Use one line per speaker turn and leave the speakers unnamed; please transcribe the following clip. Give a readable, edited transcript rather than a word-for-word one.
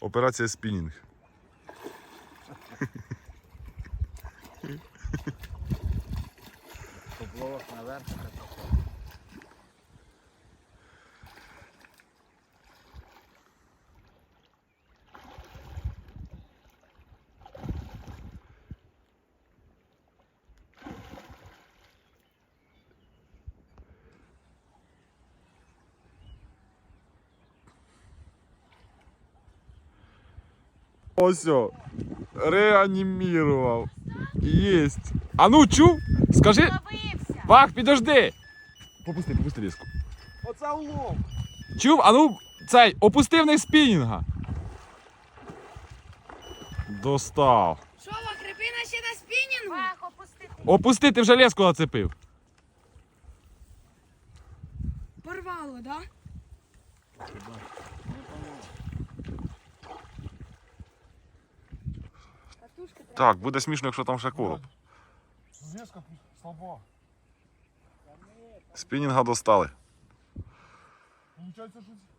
Операція спінінг.
Поплавок наверх.
Ось, реанімірував. Єсть. А ну, чув? Скажи.
Ловився.
Вах, підожди. Попусти різку.
Оце улов.
Чув? А ну, цей, опусти вниз спінінга. Достав.
Що, Крипина ще на спінінгу?
Вах, опустити.
Опусти, ти вже леску нацепив.
Порвало, да?
Так, буде смішно, якщо там ще короб.
Зв'язка слаба.
Спінінга достали.
Получається, що